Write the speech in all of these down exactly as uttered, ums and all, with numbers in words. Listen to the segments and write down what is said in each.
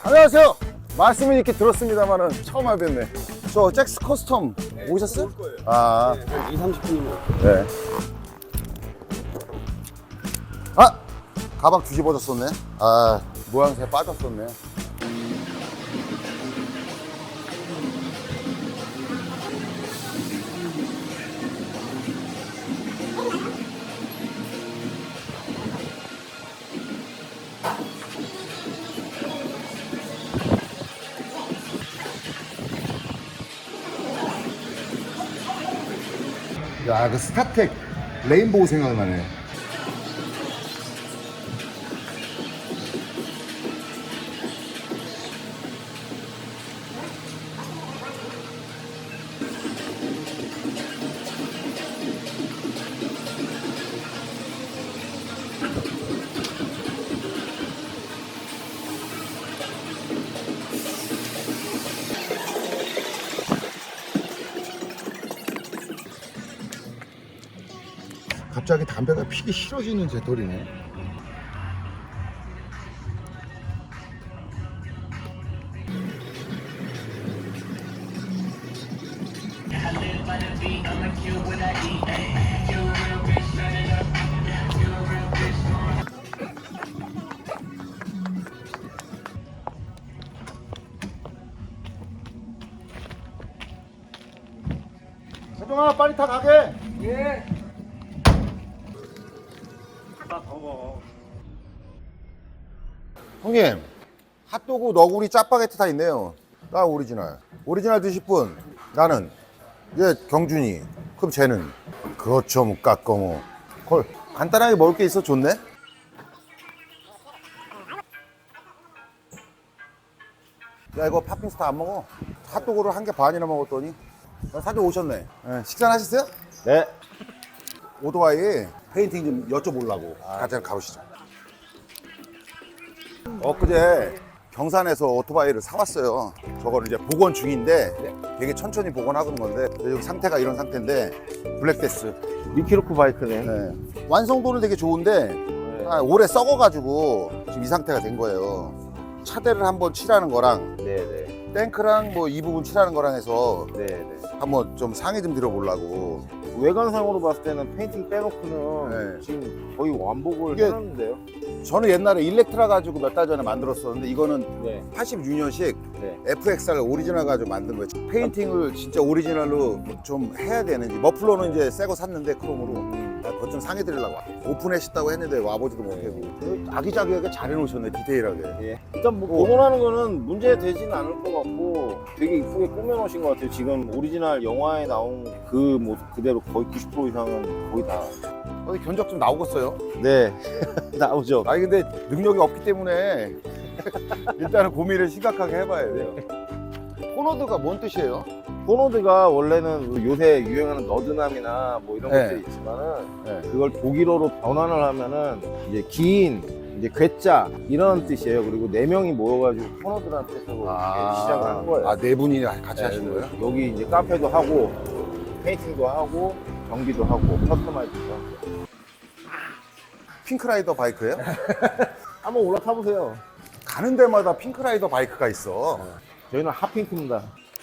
안녕하세요. 말씀은 이렇게 들었습니다만은 처음 알겠네. 저 잭스 커스텀 네, 오셨어요? 아, 네, 이, 삼십 분이면. 네. 아, 가방 뒤집어졌었네. 아, 모양새 빠졌었네. 야, 그 스타텍 레인보우 생각나네. 갑자기 담배가 피기 싫어지는 제돌이네. 세종아, 빨리 타 가게. 예. 형님, 핫도그 너구리 짜파게티 다 있네요. 나 오리지널. 오리지널 드실 분. 나는 얘 경준이. 그럼 쟤는 그렇죠, 못 깎고 뭐. 콜. 간단하게 먹을 게 있어 좋네. 야, 이거 팥빙수다 안 먹어. 핫도그를 한 개 반이나 먹었더니 사진 오셨네. 네, 식사 하셨어요? 네. 오토바이 페인팅 좀 여쭤보려고. 같이 가보시죠. 엊그제 경산에서 오토바이를 사왔어요. 저거를 이제 복원 중인데 되게 천천히 복원하는 건데 지금 상태가 이런 상태인데 블랙데스. 미키로크 바이크네. 네. 완성도는 되게 좋은데 네. 아, 오래 썩어가지고 지금 이 상태가 된 거예요. 차대를 한번 칠하는 거랑 네네. 탱크랑 뭐 이 부분 칠하는 거랑 해서 네네. 한번 좀 상의 좀 드려보려고. 외관상으로 봤을 때는 페인팅 빼놓고는 네. 지금 거의 완복을 이게- 해놨는데요. 저는 옛날에 일렉트라 가지고 몇 달 전에 만들었었는데 이거는 네. 팔십육 년식 네. 에프엑스알 오리지널 가지고 만든 거예요. 페인팅을 진짜 오리지널로 좀 해야 되는지. 머플러는 이제 새 거 샀는데 크롬으로. 음. 아, 그것 좀 상해 드리려고 오픈했다고 했는데 와보지도 못하고. 아기자기하게 잘 해놓으셨네, 디테일하게. 예. 일단 뭐 복원하는 거는 문제 되지는 않을 것 같고 되게 이쁘게 꾸며놓으신 것 같아요. 지금 오리지널 영화에 나온 그 모습 그대로 거의 구십 퍼센트 이상은 거의 다. 어디 견적 좀 나오겠어요? 네. 나오죠. 아니 근데 능력이 없기 때문에 일단은 고민을 심각하게 해봐야 돼요. 포너드가 뭔 뜻이에요? 포노드가 원래는 요새 유행하는 너드남이나 뭐 이런 네. 것들이 있지만은 네. 그걸 독일어로 변환을 하면은 이제 긴 이제 괴짜 이런 뜻이에요. 그리고 네 명이 모여가지고 포노드라는 뜻으로 이렇게 시작을 한 거예요. 아, 네 분이 같이 네, 하신 거예요? 여기 이제 카페도 하고 페인팅도 하고 전기도 하고 커스터마이즈도 하고. 핑크라이더 바이크예요? 한번 올라타 보세요. 가는 데마다 핑크라이더 바이크가 있어. 저희는 핫핑크입니다.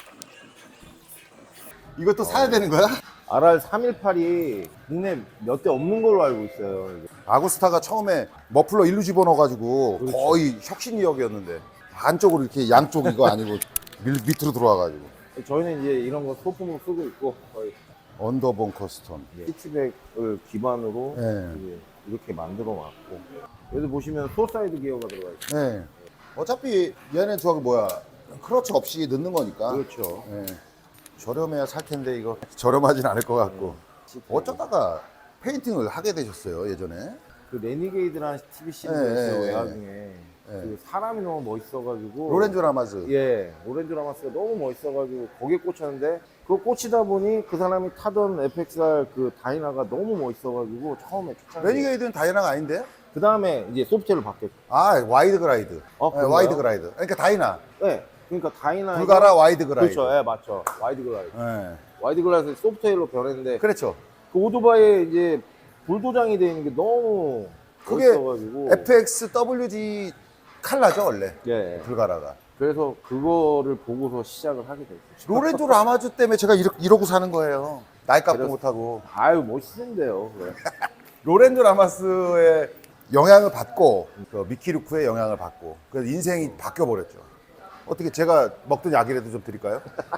이것도 사야 되는 거야? 알알 삼백십팔이 국내 몇 대 없는 걸로 알고 있어요. 아구스타가 처음에 머플러 일로 집어넣어가지고 그렇죠. 거의 혁신이역이었는데 안쪽으로 이렇게 양쪽 이거 아니고 밀, 밑으로 들어와가지고. 저희는 이제 이런 거 소품으로 쓰고 있고 거의 언더본 커스텀. 피치백을 기반으로 네. 이제 이렇게 만들어 놨고 여기 보시면 소사이드 기어가 들어가 있어요. 네. 어차피 얘는 저기 뭐야 크러치 없이 넣는 거니까. 그렇죠. 네. 저렴해야 살 텐데 이거 저렴하진 않을 것 같고. 어쩌다가 페인팅을 하게 되셨어요 예전에? 그 레니게이드라는 티비 시리즈가 네, 있어요. 네, 외화 중에 그 사람이 너무 멋있어가지고 로렌조 라마즈. 예, 오렌지 라마스가 너무 멋있어가지고 거기에 꽂혔는데 그거 꽂히다 보니 그 사람이 타던 에프엑스알 그 다이나가 너무 멋있어가지고 처음에 추천. 레니게이드는 다이나가 아닌데? 그 다음에 이제 소프트웨어를 바뀌었죠. 아 와이드 그라이드. 어, 네, 그런가요? 와이드 그라이드. 그러니까 다이나. 네, 그러니까 다이나 불가라 와이드 그라이드. 그렇죠, 예, 맞죠. 와이드 글라이드. 네. 와이드 글라이드 소프트웨어로 변했는데 그렇죠. 그 오토바이에 이제 불도장이 되어 있는 게 너무 그게 멋있어가지고 에프엑스 더블유지 칼라죠 원래 예. 불가라가. 그래서 그거를 보고서 시작을 하게 됐어요. 로렌조 라마주 때문에 제가 이러, 이러고 사는 거예요. 나이값도 그래서- 못하고. 아유 멋있는데요. 그래. 로렌조 라마스의 영향을 받고 그 미키루크의 영향을 받고 그래서 인생이 바뀌어 버렸죠. 어떻게 제가 먹던 약이라도 좀 드릴까요?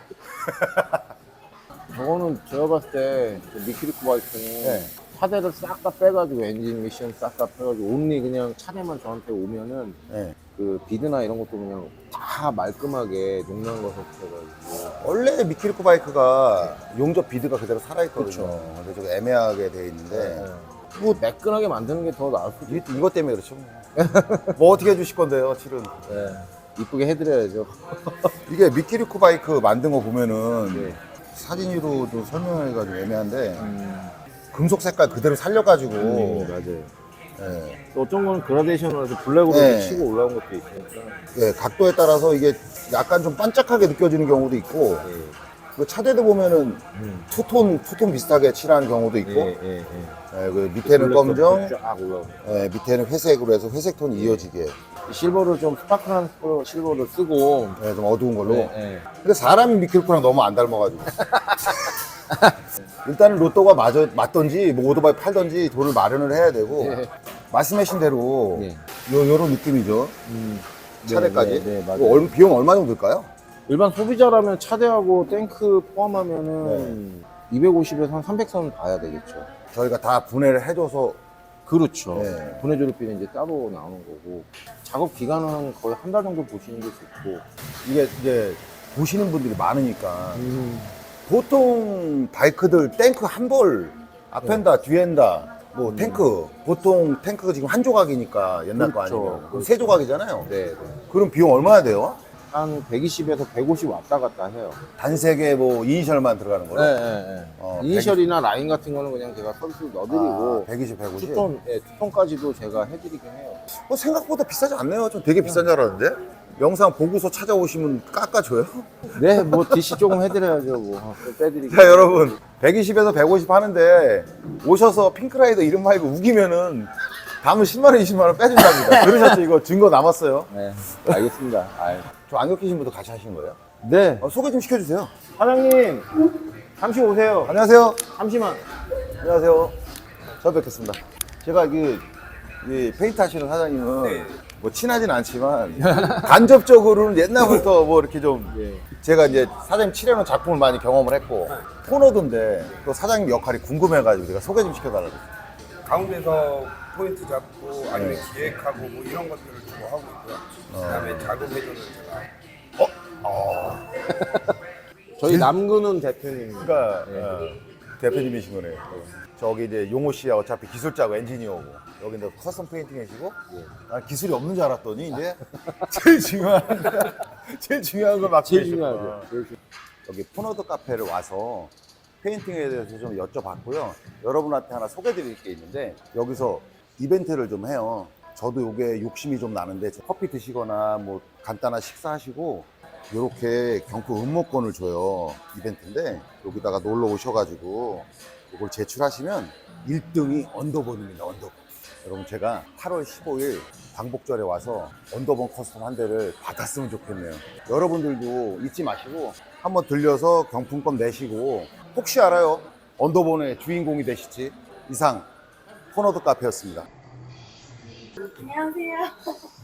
저거는 제가 봤을 때그 미키리코 바이크는 네. 차대를 싹 다 빼가지고 엔진 미션 싹 다 빼가지고 온리 그냥 차대만 저한테 오면은 네. 그 비드나 이런 것도 그냥 다 말끔하게 녹는 것을 해가지고 원래 미키루크 바이크가 용접 비드가 그대로 살아있거든요. 그쵸. 근데 좀 애매하게 돼 있는데 뭐 매끈하게 만드는 게 더 나을 수도 이, 이것 때문에 그렇죠. 뭐 어떻게 해주실 건데요, 실은. 네. 이쁘게 해드려야죠. 이게 미키루크 바이크 만든 거 보면은 네. 사진으로 좀 설명해가지고 애매한데 음, 금속 색깔 그대로 살려가지고 음, 맞아요. 예, 또 어떤 거는 그라데이션으로 해서 블랙으로 네. 이렇게 치고 올라온 것도 있으니까. 예, 각도에 따라서 이게 약간 좀 반짝하게 느껴지는 경우도 있고 예. 그 차대도 보면은 음. 투톤 투톤 비슷하게 칠하는 경우도 있고 예, 예, 예. 예, 그 밑에는 검정, 쫙 올라오고. 예, 밑에는 회색으로 해서 회색 톤이 이어지게 실버를 좀 스파클한 실버- 실버를 쓰고. 예, 좀 어두운 걸로. 네, 네. 근데 사람이 미키루크랑 너무 안 닮아가지고 일단은 로또가 맞아, 맞던지 뭐 오토바이 팔던지 돈을 마련을 해야 되고 예. 말씀하신 대로 예. 요, 요런 느낌이죠. 음. 차대까지. 네, 네, 네, 맞아요. 이거 얼- 비용 얼마 정도 들까요? 일반 소비자라면 차대하고 탱크 포함하면은 이백오십에서 한 삼백 선 봐야 되겠죠. 저희가 다 분해를 해줘서 그렇죠. 네. 분해조립비는 이제 따로 나오는 거고 작업 기간은 거의 한 달 정도 보시는 게 좋고. 이게 이제 보시는 분들이 많으니까 음. 보통 바이크들 탱크 한 벌 앞엔다 뒤엔다 뭐 음. 탱크 보통 탱크가 지금 한 조각이니까 옛날 거 그렇죠. 아니면 그럼 그렇죠. 세 조각이잖아요. 네, 네. 그럼 비용 얼마나 돼요? 한 백이십에서 백오십 왔다 갔다 해요. 단색에 뭐 이니셜만 들어가는 거로? 네, 네, 네. 어, 이니셜이나 라인 같은 거는 그냥 제가 서비스 넣어드리고 아, 백이십, 백오십? 투톤, 예, 투톤까지도 제가 해드리긴 해요. 뭐 생각보다 비싸지 않네요. 좀 되게 비싼 줄 알았는데 영상 보고서 찾아오시면 깎아줘요? 네, 뭐 디씨 조금 해드려야죠. 뭐 빼드리고. 자 여러분 백이십에서 백오십 하는데 오셔서 핑크라이더 이름 말고 우기면은 다음은 십만 원, 이십만 원 빼준답니다. 들으셨죠? 이거 증거 남았어요. 네, 알겠습니다. 아이. 저 안경 끼신 분도 같이 하신 거예요? 네, 어, 소개 좀 시켜주세요. 사장님 잠시 오세요. 안녕하세요. 잠시만. 안녕하세요. 처음 뵙겠습니다. 제가 그, 이 페인트 하시는 사장님은 뭐 친하진 않지만 간접적으로는 옛날부터 뭐 이렇게 좀 예. 제가 이제 사장님 칠해놓은 작품을 많이 경험을 했고 코너던데 또 사장님 역할이 궁금해가지고 제가 소개 좀 시켜달라고. 가운데서 포인트 잡고 아니면 네. 기획하고 뭐 이런 것들을 주로 하고 있고요. 그다음에 작업 회전을 제가 저희 남근은 대표님. 그러니까 예. 어, 대표님이신 거네요. 저기 이제 용호 씨야 어차피 기술자고 엔지니어고 여기 이제 커스텀 페인팅 해시고 난 기술이 없는 줄 알았더니 이제 제일 중요한 제일 중요한 걸 맡고 제일 계셨구나. 중요하죠. 제일 중- 여기 푸너드 카페를 와서 페인팅에 대해서 좀 여쭤봤고요. 여러분한테 하나 소개드릴 게 있는데 여기서 이벤트를 좀 해요. 저도 요게 욕심이 좀 나는데 커피 드시거나 뭐 간단한 식사하시고 이렇게 경품 응모권을 줘요. 이벤트인데 여기다가 놀러 오셔가지고 이걸 제출하시면 일 등이 언더본입니다. 언더본. 여러분 제가 팔월 십오일 광복절에 와서 언더본 커스텀 한 대를 받았으면 좋겠네요. 여러분들도 잊지 마시고 한번 들려서 경품권 내시고 혹시 알아요? 언더본의 주인공이 되실지. 이상 푸너드 카페였습니다. 안녕하세요.